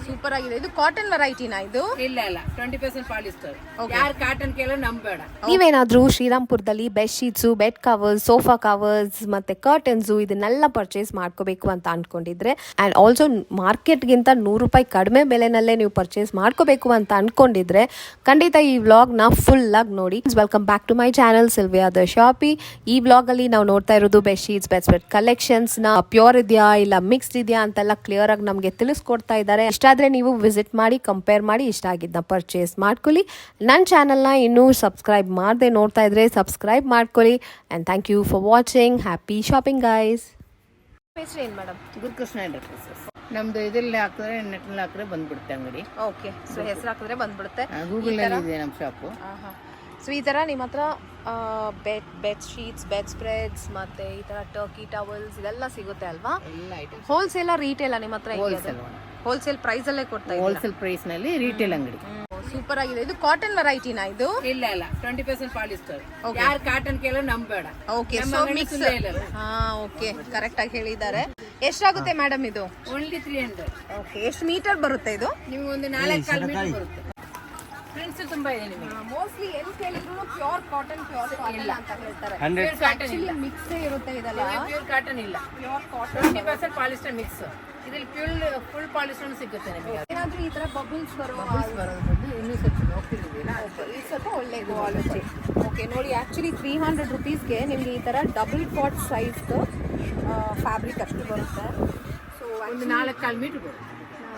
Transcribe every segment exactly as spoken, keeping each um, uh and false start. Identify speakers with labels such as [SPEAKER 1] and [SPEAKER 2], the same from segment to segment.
[SPEAKER 1] Super ಆಗಿದೆ. ಇದು cotton ವೆರೈಟಿನಾ ಇದು?
[SPEAKER 2] ಇಲ್ಲ ಇಲ್ಲ, ಟ್ವೆಂಟಿ ಪರ್ಸೆಂಟ್ ಪಾಲಿಸ್ಟರ್. ಯಾರು ಕಾಟನ್ ಕೇಳೋ ನಂಬೇಡ.
[SPEAKER 3] ನೀವೇನಾದ್ರೂ ಶ್ರೀರಾಮ್ಪುರದಲ್ಲಿ bed sheets, bed covers, sofa covers ಮತ್ತೆ ಕರ್ಟನ್ಸ್ ಇದನ್ನೆಲ್ಲ ಪರ್ಚೇಸ್ ಮಾಡ್ಕೋಬೇಕು ಅಂತ ಅನ್ಕೊಂಡಿದ್ರೆ ಅಂಡ್ ಆಲ್ಸೋ ಮಾರ್ಕೆಟ್ಗಿಂತ ನೂರು ರೂಪಾಯಿ ಕಡಿಮೆ ಬೆಲೆನಲ್ಲೇ ನೀವು ಪರ್ಚೇಸ್ ಮಾಡ್ಕೋಬೇಕು ಅಂತ ಅನ್ಕೊಂಡಿದ್ರೆ ಖಂಡಿತ ಈ ವ್ಲಾಗ್ ನ ಫುಲ್ ಆಗಿ ನೋಡಿ. Welcome back to my channel Sylvia the shoppe. ಈ ವ್ಲಾಗ್ ಅಲ್ಲಿ ನಾವು ನೋಡ್ತಾ ಇರೋದು bed sheets, bed spread collections ನ ಪ್ಯೂರ್ ಇದೆಯಾ ಇಲ್ಲ ಮಿಕ್ಸ್ಡ್ ಇದೆಯಾ ಅಂತೆಲ್ಲ ಕ್ಲಿಯರ್ ಆಗಿ ನಮಗೆ ತಿಳಿಸ್ಕೊಡ್ತಾ ಇದ್ದಾರೆ. ಇಷ್ಟಾದ್ರೆ ನೀವು ವಿಸಿಟ್ ಮಾಡಿ ಕಂಪೇರ್ ಮಾಡಿ ಇಷ್ಟ ಆಗಿದ್ದ ಪರ್ಚೇಸ್ ಮಾಡ್ಕೊಳ್ಳಿ. ನನ್ನ ಚಾನಲ್ನ ಇನ್ನೂ ಸಬ್ಸ್ಕ್ರೈಬ್ ಮಾಡದೆ ನೋಡ್ತಾ ಇದ್ರೆ ಸಬ್ಸ್ಕ್ರೈಬ್ ಮಾಡ್ಕೊಳ್ಳಿ. And thank you for watching. Happy shopping guys.
[SPEAKER 1] ಹೆಸರು ಏನು ಮೇಡಮ್?
[SPEAKER 2] ಗುರುಕೃಷ್ಣ ಎಂಟರ್ಪ್ರೈಸಸ್. ನಮ್ದು ಇದ್ರಲ್ಲಿ ಹಾಕಿದ್ರೆ ನೆಟ್ನಲ್ಲಿ ಹಾಕಿದ್ರೆ ಬಂದ್ಬಿಡುತ್ತೆ ಅಂಗಡಿ.
[SPEAKER 1] ಓಕೆ, ಸೊ ಹೆಸರು ಹಾಕಿದ್ರೆ ಬಂದ್ಬಿಡುತ್ತೆ.
[SPEAKER 2] ಗೂಗಲ್ ಅಲ್ಲಿ ಇದೆ ನಮ್ಮ ಶಾಪು.
[SPEAKER 1] ಸೊ ಈ ಥರ ನಿಮ್ಮ ಹತ್ರ bed bed sheets, bed spreads ಮತ್ತೆ ಈ ಥರ ಟರ್ಕಿ ಟವಲ್ಸ್ ಇದೆಲ್ಲ ಸಿಗುತ್ತೆ ಅಲ್ವಾ?
[SPEAKER 2] ಎಲ್ಲ ಐಟಮ್ಸ್
[SPEAKER 1] ಹೋಲ್ಸೇಲ್ ರೀಟೇಲ್ ನಿಮ್ಮ ಹತ್ರ?
[SPEAKER 2] ಹೋಲ್ಸೇಲ್
[SPEAKER 1] ಹೋಲ್ಸೇಲ್ ಪ್ರೈಸ್ ಅಲ್ಲೇ ಕೊಡ್ತಾ ಇದ್ದೀರಾ?
[SPEAKER 2] ಹೋಲ್ಸೇಲ್ ಪ್ರೈಸ್ ನಲ್ಲಿ ರಿಟೇಲ್ ಅಂಗಡಿ.
[SPEAKER 1] ಸೂಪರ್ ಆಗಿದೆ. ಇದು ಕಾಟನ್ ವೆರೈಟಿನಾ ಇದು?
[SPEAKER 2] ಇಲ್ಲ ಇಲ್ಲ, ಟ್ವೆಂಟಿ ಪರ್ಸೆಂಟ್ ಪಾಲಿಸ್ಟರ್. ಯಾರು ಕಾಟನ್ ಕೇಳೋ ನಂಬೇಡ.
[SPEAKER 1] Okay, so mix. ಹಾ, ಓಕೆ, ಕರೆಕ್ಟ್ ಆಗಿ ಹೇಳಿದ್ದಾರೆ. ಎಷ್ಟಾಗುತ್ತೆ ಮೇಡಮ್ ಇದು?
[SPEAKER 2] Only three hundred.
[SPEAKER 1] ಓಕೆ, ಎಷ್ಟು ಮೀಟರ್ ಬರುತ್ತೆ ಇದು?
[SPEAKER 2] ನಿಮ್ಗೆ ಒಂದು ನಾಲ್ಕು ಕಾಲು ಮೀಟರ್ ಬರುತ್ತೆ. ಫ್ರೆಂಡ್ಸ್ ತುಂಬಾ ಇದೆ ನಿಮಗೆ.
[SPEAKER 1] ಮೋಸ್ಟ್ಲಿ ಎಲ್ಲಿ ಕೇಳಿದ್ರು ಪ್ಯೂರ್ ಕಾಟನ್, ಪ್ಯೂರ್ ಕಾಟನ್ ಅಂತ ಹೇಳ್ತಾರೆ.
[SPEAKER 2] ಪ್ಯೂರ್ ಕಾಟನ್ ಇಲ್ಲ,
[SPEAKER 1] ಮಿಕ್ಸ್ ಇರುತ್ತೆ ಇದೆಲ್ಲ.
[SPEAKER 2] ಪ್ಯೂರ್ ಕಾಟನ್ ಇಲ್ಲ,
[SPEAKER 1] pure cotton.
[SPEAKER 2] Twenty percent polyester mix. ಇದ್ರಲ್ಲಿ ಫುಲ್ ಫುಲ್ ಪಾಲಿಸ್ಟರ್ ಸಿಗುತ್ತೆ ನಿಮಗೆ.
[SPEAKER 1] ಏನಾದ್ರೂ ಈ ತರ ಬಬಲ್ಸ್ ಬರೋ
[SPEAKER 2] ಬರೋದು ಬಂದು ಇನ್ನೂ ಸ್ವಲ್ಪ ಹೋಗ್ತಿದ್ದೀರಾ.
[SPEAKER 1] ಈ ಸ್ವಲ್ಪ ಒಳ್ಳೆ ಕ್ವಾಲಿಟಿ. ಓಕೆ, ನೋಡಿ ಆಕ್ಚುಲಿ ತ್ರೀ ಹಂಡ್ರೆಡ್ ರುಪೀಸ್ಗೆ ನಿಮ್ಗೆ ಈ ತರ ಡಬಲ್ ಕಾಟ್ ಸೈಜ್ ಫ್ಯಾಬ್ರಿಕ್ ಅಷ್ಟು ಬರುತ್ತೆ. ಸೊ
[SPEAKER 2] ಒಂದು ನಾಲ್ಕು ಕಾಲು ಮೀಟರ್ ಬರುತ್ತೆ.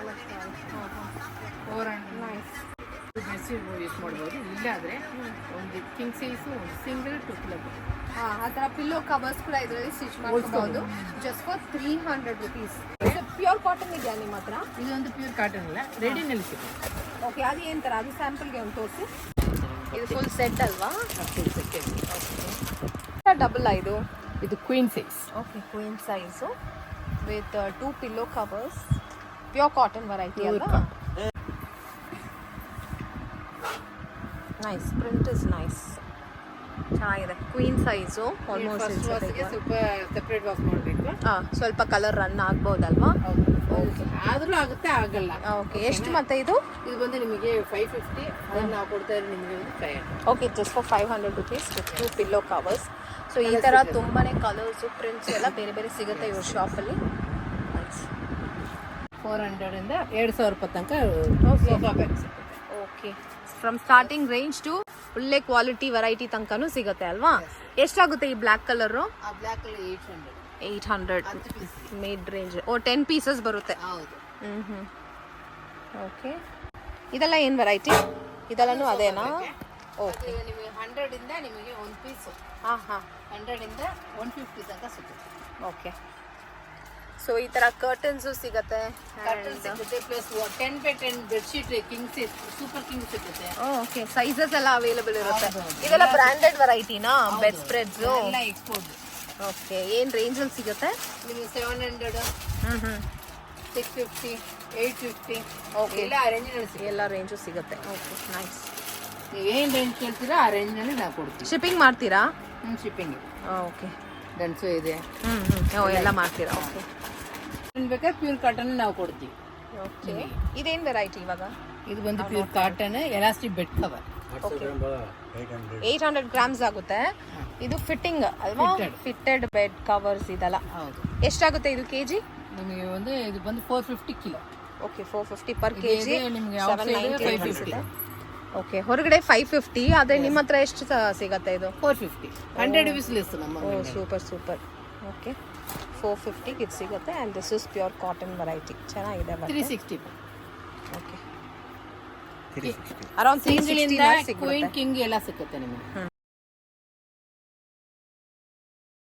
[SPEAKER 2] Four hundred
[SPEAKER 1] nice.
[SPEAKER 2] Bedsheet use ಮಾಡ್ಬೋದು. ಇಲ್ಲಾದ್ರೆ ಒಂದು ಕಿಂಗ್ ಸೈಜು, ಒಂದು ಸಿಂಗಲ್ ಟು ಪ್ಲಗ್.
[SPEAKER 1] ಹಾಂ, ಆ ಥರ ಪಿಲ್ಲೋ ಕವರ್ಸ್ ಕೂಡ ಇದರಲ್ಲಿ ಸ್ಟಿಚ್ ಮಾಡ್ಕೋಬಹುದು just for three hundred rupees. Pure cotton ಇದೆಯಾ ನಿಮ್ಮ ಹತ್ರ?
[SPEAKER 2] ಇದೊಂದು ಪ್ಯೂರ್ ಕಾಟನ್ ಇಲ್ಲ, ರೆಡಿನಲ್ಲಿ ಸಿಗುತ್ತೆ.
[SPEAKER 1] ಓಕೆ, ಅದು ಏನು ಥರ? ಅದು ಸ್ಯಾಂಪಲ್ಗೆ ಒಂದು ತೋರಿಸಿ. ಇದು ಫುಲ್ ಸೆಟ್ ಅಲ್ವಾ?
[SPEAKER 2] Full set.
[SPEAKER 1] ಡಬಲ್ ಇದು
[SPEAKER 2] ಇದು queen size.
[SPEAKER 1] Okay, queen size with two pillow covers. Pure cotton variety ಅಲ್ವಾ? ನೈಸ್, ಪ್ರಿಂಟ್ ಇಸ್ ನೈಸ್, ಚೆನ್ನಾಗಿದೆ. Queen size almost.
[SPEAKER 2] ಸ್ವಲ್ಪ ಸೆಪ್ರೇಟ್ ವಾಶ್ ಮಾಡಬೇಕು.
[SPEAKER 1] ಹಾಂ, ಸ್ವಲ್ಪ ಕಲರ್ ರನ್ ಆಗ್ಬೋದಲ್ವಾ?
[SPEAKER 2] ಓಕೆ, ಆದರೂ ಆಗುತ್ತೆ, ಆಗಲ್ಲ.
[SPEAKER 1] ಓಕೆ, ಎಷ್ಟು ಮತ್ತೆ ಇದು?
[SPEAKER 2] ಇದು ಬಂದು ನಿಮಗೆ ಫೈವ್ ಫಿಫ್ಟಿ. ಅದನ್ನು ನಾವು ಕೊಡ್ತಾ ಇರೋದು ನಿಮಗೆ ಒಂದು five hundred.
[SPEAKER 1] Okay, just for five hundred rupees with two pillow covers. So ಈ ಥರ ತುಂಬಾ ಕಲರ್ಸು, ಪ್ರಿಂಟ್ಸ್ ಎಲ್ಲ ಬೇರೆ ಬೇರೆ ಸಿಗುತ್ತೆ ಇವ್ರ ಶಾಪಲ್ಲಿ.
[SPEAKER 2] ಫೋರ್ ಹಂಡ್ರೆಡಿಂದ ಎರಡು ಸಾವಿರ ರೂಪಾಯಿ ತನಕ ಸೋಫಾ ಬ್ಯಾಗ್ ಸಿಗುತ್ತೆ.
[SPEAKER 1] Okay, from starting range to ಒಳ್ಳೆ ಕ್ವಾಲಿಟಿ ವೆರೈಟಿ ತನಕನೂ ಸಿಗುತ್ತೆ ಅಲ್ವಾ? ಎಷ್ಟಾಗುತ್ತೆ ಈ ಬ್ಲ್ಯಾಕ್ ಕಲರು?
[SPEAKER 2] ಆ ಬ್ಲ್ಯಾಕ್ ಅಲ್ಲಿ eight hundred.
[SPEAKER 1] Eight hundred mid range. ಓ, ಟೆನ್ ಪೀಸಸ್ ಬರುತ್ತೆ.
[SPEAKER 2] ಹೌದು.
[SPEAKER 1] ಹ್ಞೂ ಹ್ಞೂ ಓಕೆ, ಇದೆಲ್ಲ ಏನು ವೆರೈಟಿ? ಇದೆಲ್ಲನೂ ಅದೇನಾ? ಓಕೆ,
[SPEAKER 2] ನಿಮಗೆ ಹಂಡ್ರೆಡಿಂದ ನಿಮಗೆ ಒಂದು ಪೀಸು.
[SPEAKER 1] ಹಾಂ ಹಾಂ,
[SPEAKER 2] ಹಂಡ್ರೆಡಿಂದ ಒನ್ ಫಿಫ್ಟಿ ತನಕ ಸಿಗುತ್ತೆ.
[SPEAKER 1] ಓಕೆ. ಸೊ ಈ ಥರ ಕರ್ಟನ್ಸು ಸಿಗುತ್ತೆ,
[SPEAKER 2] ಕರ್ಟನ್ ಸಿಗುತ್ತೆ, plus ten by ten bedsheet king size, super king ಸಿಗುತ್ತೆ.
[SPEAKER 1] ಓಕೆ, ಸೈಜಸ್ ಎಲ್ಲ ಅವೈಲೇಬಲ್ ಇರುತ್ತೆ. ಇದೆಲ್ಲ ಬ್ರ್ಯಾಂಡೆಡ್ ವೆರೈಟಿನಾ? ಬೆಡ್ ಸ್ಪ್ರೆಡ್ಸ್
[SPEAKER 2] ಎಲ್ಲ ಎಕ್ಸ್ಪೋರ್ಟ್.
[SPEAKER 1] ಓಕೆ, ಏನು ರೇಂಜಲ್ಲಿ ಸಿಗುತ್ತೆ?
[SPEAKER 2] ನಿಮಗೆ ಸೆವೆನ್ ಹಂಡ್ರೆಡ್,
[SPEAKER 1] ಹ್ಞೂ ಹ್ಞೂ
[SPEAKER 2] six fifty, eight fifty.
[SPEAKER 1] Okay,
[SPEAKER 2] ಎಲ್ಲ ಆ ರೇಂಜ್ನಲ್ಲಿ ಸಿಗುತ್ತೆ.
[SPEAKER 1] ಎಲ್ಲ ರೇಂಜು ಸಿಗುತ್ತೆ. Okay, nice.
[SPEAKER 2] ನೀವು ಏನು ರೇಂಜ್ ಕೇಳ್ತೀರಾ ಆ ರೇಂಜ್ನಲ್ಲಿ ನಾವು ಕೊಡ್ತೀವಿ.
[SPEAKER 1] ಶಿಪ್ಪಿಂಗ್ ಮಾಡ್ತೀರಾ?
[SPEAKER 2] ಹ್ಞೂ, ಶಿಪ್ಪಿಂಗ್.
[SPEAKER 1] ಓಕೆ,
[SPEAKER 2] ಗಂಡಸು ಇದೆ.
[SPEAKER 1] ಹ್ಞೂ ಹ್ಞೂ ಎಲ್ಲ ಮಾಡ್ತೀರಾ? ಓಕೆ,
[SPEAKER 2] ಬೇಕಾದ್ರೆ ಪ್ಯೂರ್ ಕಾಟನ್ ನಾವು ಕೊಡ್ತೀವಿ.
[SPEAKER 1] ಓಕೆ, ಇದೇನು ವೆರೈಟಿ ಇವಾಗ?
[SPEAKER 2] ಇದು ಬಂದು pure cotton elastic bed cover.
[SPEAKER 1] Okay, eight hundred grams ಆಗುತ್ತೆ. ಇದು ಫಿಟ್ಟಿಂಗ್ ಅಲ್ವಾ? ಫಿಟ್ಟೆಡ್ ಬೆಡ್ ಕವರ್ಸ್ ಇದೆಲ್ಲ.
[SPEAKER 2] ಹೌದು.
[SPEAKER 1] ಎಷ್ಟಾಗುತ್ತೆ ಇದು ಕೆ ಜಿ?
[SPEAKER 2] ನಿಮಗೆ ಒಂದು ಇದು ಬಂದು four fifty kilo.
[SPEAKER 1] Okay, four fifty per K G.
[SPEAKER 2] ನಿಮಗೆ
[SPEAKER 1] ಸೆವೆನ್ ನೈಂಟಿ. ಓಕೆ, ಹೊರಗಡೆ ಫೈವ್ ಫಿಫ್ಟಿ, ಆದರೆ ನಿಮ್ಮ ಹತ್ರ ಎಷ್ಟು ಸಿಗತ್ತೆ ಇದು?
[SPEAKER 2] Four fifty. Hundred rupees less ನಮ್ಮ.
[SPEAKER 1] ಓ, ಸೂಪರ್ ಸೂಪರ್. ಓಕೆ, ಫೋರ್ ಫಿಫ್ಟಿಗೆ ಇದು ಸಿಗುತ್ತೆ. And this is pure cotton variety. ಚೆನ್ನಾಗಿದೆ.
[SPEAKER 2] Three sixty.
[SPEAKER 1] Okay, around three sixty
[SPEAKER 2] queen king ಎಲ್ಲ ಸಿಗುತ್ತೆ ನಿಮಗೆ.